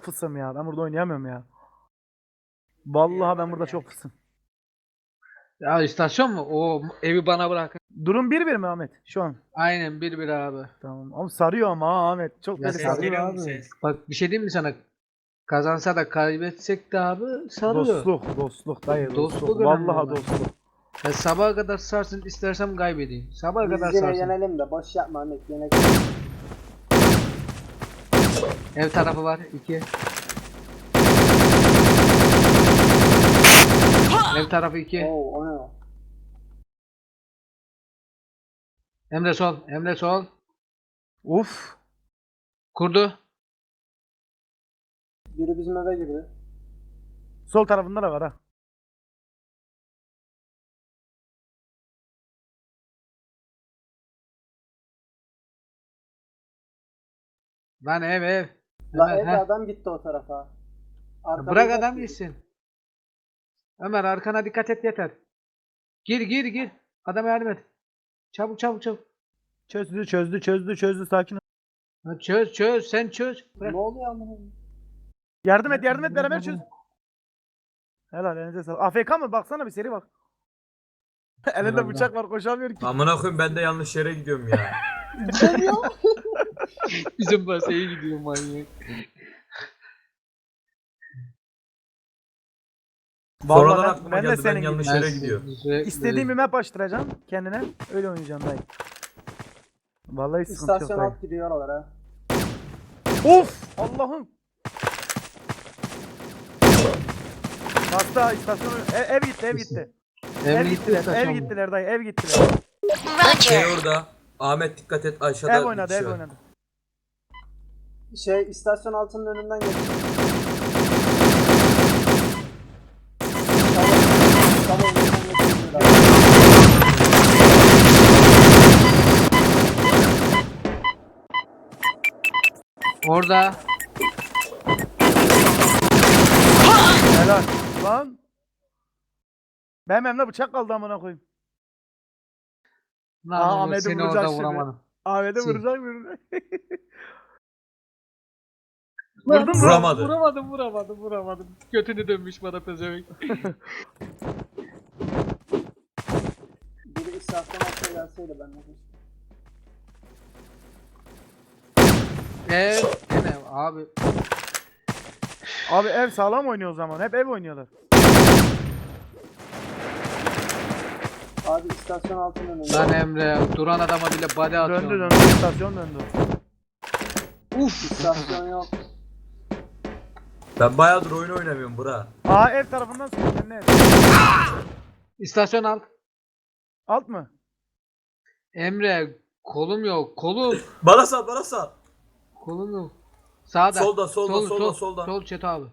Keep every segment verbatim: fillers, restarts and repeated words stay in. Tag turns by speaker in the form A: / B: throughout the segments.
A: çok fısım ya. Ben burada oynayamıyorum ya. Vallahi ben burada çok fısım.
B: Ya istasyon mu? O evi bana bırakın.
A: Durum bir bir mi Ahmet şu an?
B: Aynen bir bir abi.
A: Tamam. Ama sarıyor ama ha Ahmet. Çok
B: Ya
A: beni
B: ses
A: sarıyor.
B: geliyor mu ses? Bak bir şey diyeyim mi sana? Kazansa da kaybetsek de abi sarıyor.
A: Dostluk, dostluk dayı, dostluk.
B: Dostluk önemli
A: Vallahi
B: olan.
A: dostluk.
B: Ya sabaha kadar sarsın, istersem kaybedeyim. Sabaha kadar
C: Biz yine
B: sarsın.
C: yenelim de boş yapma Ahmet yine.
B: Ev tarafı var iki. Ev tarafı iki.
C: Oo o ne o?
B: Emre sol, Emre sol.
A: Uf.
B: Kurdu.
C: Biri bizim eve girdi.
A: Sol tarafında da var ha.
B: Lan ev ev.
C: La
B: Ömer,
C: evde
B: heh.
C: adam gitti o tarafa. Arkamızda
B: Bırak adam
C: gitti.
B: gitsin. Ömer arkana dikkat et yeter. Gir gir gir. Adama yardım et. Çabuk çabuk çabuk.
A: Çözdü, çözdü, çözdü, çözdü. Sakin ol.
B: Ha, çöz çöz sen çöz. Bırak.
C: Ne oluyor amına?
A: Yardım et, yardım et. Beraber çöz. Helal, elinize sağlık. A F K mı? Baksana bir seri bak. Elinde
B: Herhalde.
A: bıçak var, koşamıyor ki.
D: Amına koyayım ben de yanlış yere gidiyorum ya.
B: Bizim basaya gidiyor manyak.
D: Sonradan
A: Vallahi
D: aklıma
A: ben, ben de
D: geldi ben
A: senin
D: yanlış
A: gibi.
D: yere gidiyor.
A: İstediğim bir map açtıracağım kendine. Öyle oynayacağım dayı. Vallahi sıkıntı yok
C: İstasyon
A: dayı.
C: alt gidiyor oralara.
A: Of! Allah'ım! Hasta istasyonu ev, ev gitti ev gitti.
B: Emre
A: Ev
B: gitti
A: gittiler,
B: istasyon
A: ev
B: mu?
A: gittiler dayı, ev gittiler.
D: Şey orada. Ahmet dikkat et aşağıda.
A: Ev oynadı,
D: bir kişi
A: ev
D: var.
A: oynadı.
C: Şey istasyon altının önünden geçti. Tamam, tamam, önünden geçti.
B: Orada.
A: Helal. Lan. Benim elimde bıçak kaldı amına koyayım.
B: Lan
A: Aa,
B: oğlum,
A: Ahmet'i
B: seni
A: vuracak
B: orada
A: şimdi.
B: vuramadım.
A: Ahmet'e
B: Sil.
A: vuracak vuracak.
B: Lan,
A: Vurdun mu?
D: Vuramadı.
B: Vuramadım vuramadım vuramadım. Götünü dönmüş bana pezevenk.
C: Biri istasyon altına gelseydi ben de.
B: Ev. Gene abi.
A: Abi ev sağlam oynuyor o zaman. Hep ev oynuyorlar.
C: Abi istasyon altının önünde.
B: Lan Emre duran adama bile body atıyor.
A: Döndü döndü istasyon döndü.
B: Uf.
C: İstasyon yok.
D: Ben bayağıdır oyun oynamıyorum bura.
A: Aa ev tarafından sıkıyor. Ne?
B: İstasyon al.
A: Alt mı?
B: Emre kolum yok kolum.
D: Bana sal bana sal.
B: Kolum yok. Sağda.
D: Solda, solda,
B: Sol,
D: solda,
B: sol,
D: solda.
B: Sol Çeto abi.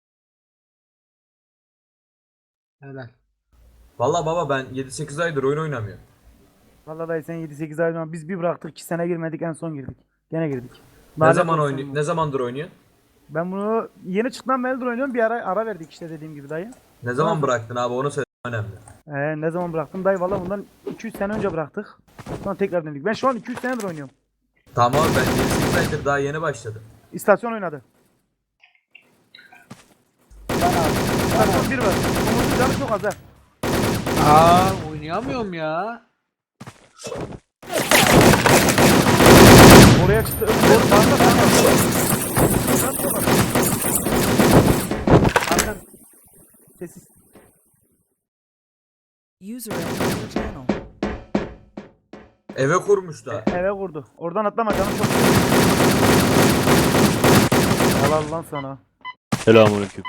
B: Helal.
D: Valla baba ben yedi sekiz aydır oyun oynamıyorum.
A: Vallahi dayı sen yedi sekiz ay sonra biz bir bıraktık iki sene girmedik en son girdik. Gene girdik.
D: Ne
A: Lanet
D: zaman
A: olsun
D: oynuyor?
A: bu.
D: Ne zamandır oynuyor?
A: Ben bunu yeni çıktıktan beridir oynuyorum. Bir ara ara verdik işte dediğim gibi dayı.
D: Ne zaman
A: Tamam.
D: bıraktın abi onu söyle önemli.
A: Ee, ne zaman bıraktım dayı valla bundan iki üç sene önce bıraktık. Sonra tekrar denedik. Ben şu an iki üç senedir oynuyorum.
D: Tamam abi ben yedi sekiz aydır daha yeni başladım.
A: İstasyon oynadı. İstasyon bir var. Umut'un canı çok az ha.
B: Aa oynayamıyorum ya.
A: Oraya çıktı. Doğru sağında sağında. Arkan. Sessiz.
E: User entered your channel.
D: Eve kurmuş da.
A: Eve vurdu. Oradan atlama canım çok. Helal lan sana.
F: Selamünaleyküm.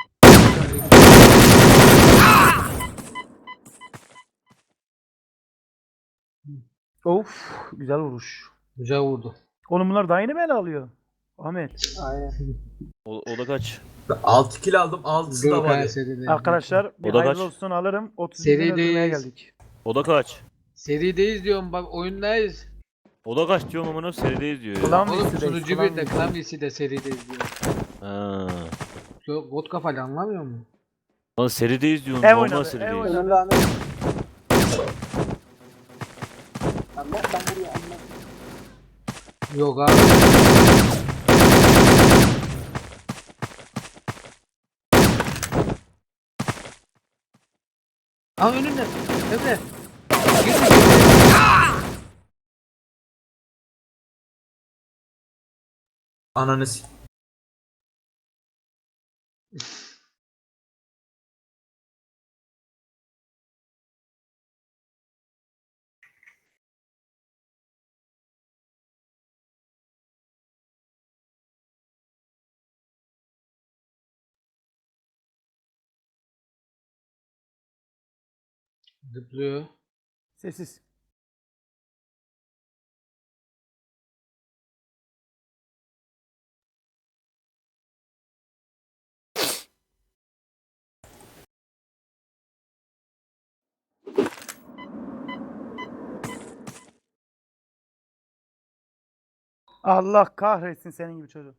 A: Of güzel vuruş.
B: Güzel vurdu.
A: Oğlum bunlar daha yeni mi ele alıyor? Ahmet.
C: Aynen.
F: O, o da kaç?
D: Ben altı kill aldım altısı da
B: Gökhan
D: var.
B: seride.
A: Arkadaşlar bir
F: O da
A: hayırlı
F: kaç?
A: olsun alırım. otuz
B: Serideyiz.
A: bin öldürmeye geldik.
F: O da kaç?
B: Serideyiz diyorum bak oyundayız.
F: O da kaç diyorum amına serideyiz diyor ya.
A: Ulan
B: Oğlum
A: birisi de,
B: sunucu
A: ulan
B: bir de
A: birisi.
B: klavyesi de serideyiz diyor.
F: Ha.
B: Yok bot kafalı anlamıyor musun?
F: Lan serideyiz diyorsun.
A: Ev
F: Normal
A: oynadı, ev
F: serideyiz.
A: oynadı.
C: Önümde Ahmet. Ahmet ben buraya Ahmet.
B: Yok abi. Ha önünde. Emre. Girme.
D: Ananı s-
B: Zıplıyor.
A: Sessiz. Allah kahretsin senin gibi çocuk.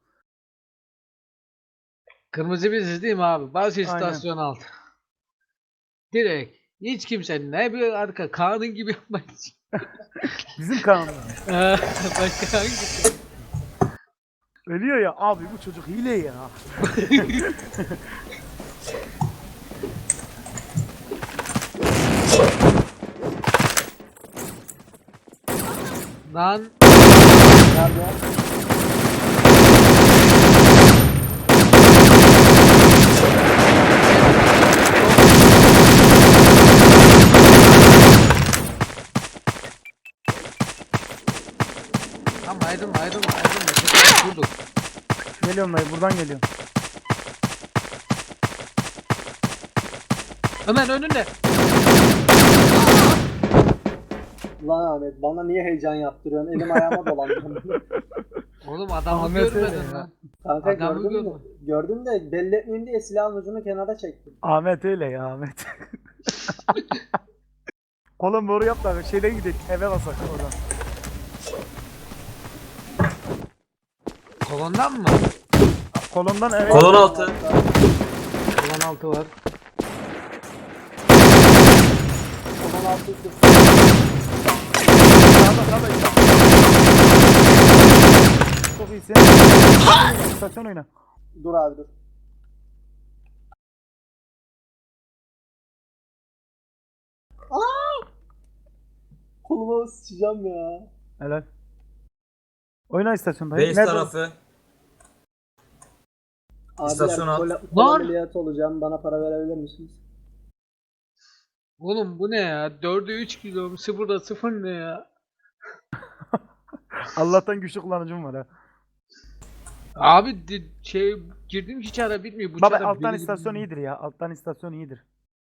B: Kırmızı biziz değil mi abi? Bas
A: Aynen.
B: istasyon altı. Direkt. Hiç kimsenin ne bir arka kanun gibi yapmayız.
A: Bizim kanun.
B: Başka hangisi?
A: Ölüyor ya abi bu çocuk hile ya.
B: Lan
C: Nerede?
B: ama ayrılma ayrılma ayrılma. Tekrar durduk.
A: Geliyorum dayı buradan geliyorum.
B: Ömer önünde.
C: Lan Ahmet bana niye heyecan yaptırıyorsun? Elim ayağıma dolandı.
B: Oğlum adamı
A: Ahmet öyle
B: görmedin
A: ya.
B: lan.
C: Kanka
B: Adamı
C: gördüm
B: görme.
C: de, gördüm de belli etmeyeyim diye silahın ucunu kenara çektim.
A: Ahmet öyle ya Ahmet. Oğlum doğru yap da şeyden gidelim eve basak oradan.
B: Kolondan mı?
A: Kolondan eve.
D: Kolon altı.
B: Kolon altı var.
C: Kolon altı üstü.
A: Sağda sağda işte. Çok iyisin. İstasyon oyna.
C: Dur abi dur. Aa! Koluma sıçacağım ya.
A: Helal. Oyna istasyon dayı.
D: Base
A: Nerede?
D: tarafı.
C: Abiler
D: İstasyon alt.
C: kola, kola
B: Lan!
C: ameliyatı olacağım. Bana para verebilir misiniz?
B: Oğlum bu ne ya? dörde üç kilo, sıfırda sıfır ne ya?
A: Allah'tan güçlü kullanıcım var ha.
B: Abi di- şey girdim ki çara bitmiyor. Bu
A: Baba
B: çara
A: alttan
B: biri-
A: istasyon iyidir ya. Alttan istasyon iyidir.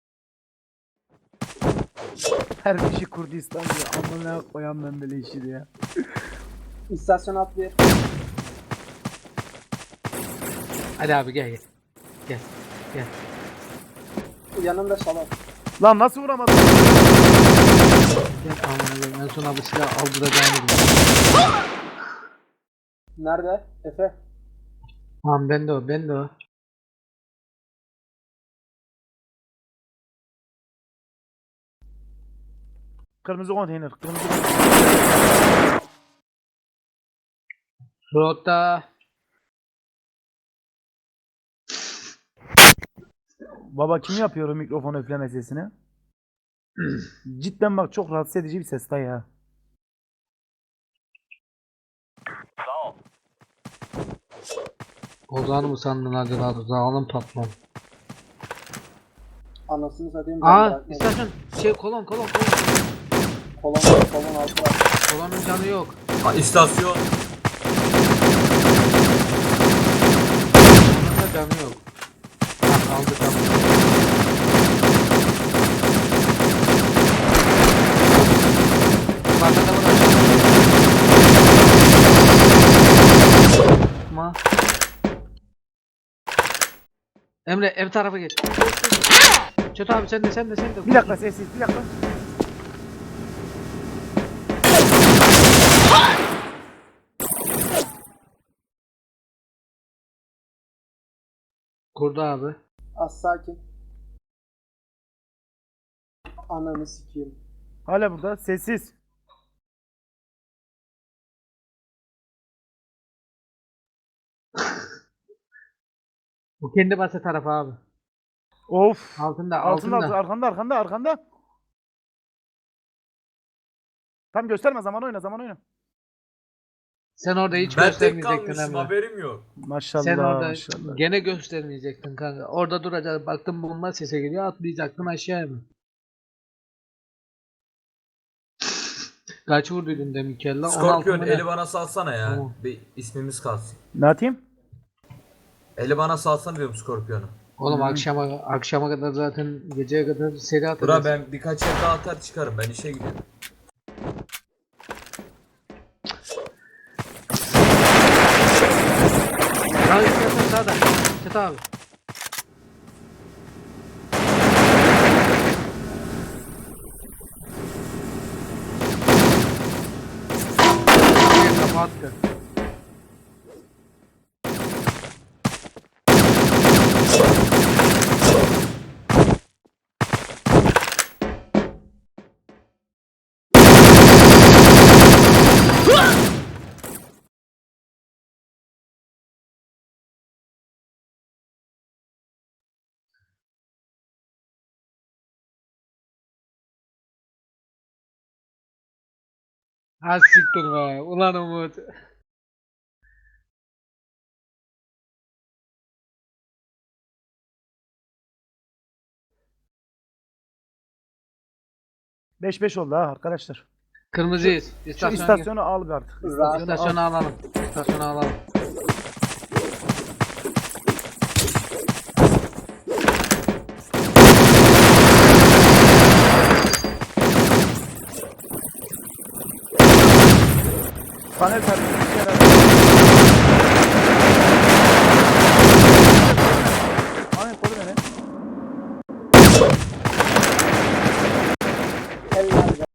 A: Her bir şey Kurdistan diyor. Amına koyam ben böyle işi ya.
C: İstasyon alt bir.
B: Hadi abi gel gel. Gel. Gel.
C: Yanımda şalak.
A: Lan nasıl vuramadın?
B: Gel aman Allah'ım en son abi silah aldıracağını biliyorum.
C: Nerede? Efe.
B: Tamam ben de o ben de o.
A: Kırmızı konteyner. Kırmızı konteyner.
B: Rota.
A: Baba kim yapıyor o mikrofon üfleme sesini? Cidden bak çok rahatsız edici bir ses dayı ya.
B: Ozan'ı mı sandın acaba? Ozan'ın patron.
C: Anasını satayım.
B: Aa
C: ben bırakmadım.
B: istasyon şey kolon kolon kolon.
C: Kolon, kolon altı var.
B: Kolonun canı yok.
D: Ha, İstasyon.
B: Kolonun da canı yok. Ha kaldı kaldı. Yukarıda da var. Ma. Emre ev tarafa geç. Çöt abi sen de sen de sen de.
A: Bir dakika sessiz bir dakika.
B: Kurdu abi.
C: Az sakin. Ananı sikeyim.
A: Hala burada sessiz.
B: Bu kendi basa tarafı abi.
A: Of.
B: Altında
A: Altında,
B: altında.
A: altında, arkanda, arkanda, arkanda. Tam gösterme, zaman oyna, zaman oyna.
B: Sen orada hiç
D: Ben tek
B: göstermeyecektin
D: kalmışım,
B: Emre.
D: haberim yok.
A: Maşallah,
B: Sen orada
A: maşallah.
B: gene göstermeyecektin kanka. Orada duracaksın. Baktın bomba sese geliyor, atlayacaktın aşağıya mı? Kaç vurduydun demin kella? on altı
D: Skorpiyon
B: mı ne?
D: eli bana salsana ya.
B: Tamam.
D: Bir ismimiz kalsın.
A: Ne atayım?
D: Eli bana salsana diyorum Skorpiyon'u.
B: Oğlum akşama akşama kadar zaten geceye kadar seri
D: Bura
B: atacağız.
D: ben birkaç yer daha atar çıkarım. Ben işe gidiyorum.
B: Sağ istersen sağda. Çet abi. Kapattı. Ha siktir be. Ulan Umut.
A: beş beş oldu ha arkadaşlar.
B: Kırmızıyız.
A: Şu
B: İstasyona,
A: istasyonu al bir artık.
C: Rahat.
A: İstasyonu al.
B: İstasyonu alalım. İstasyonu alalım.
A: Panel servis.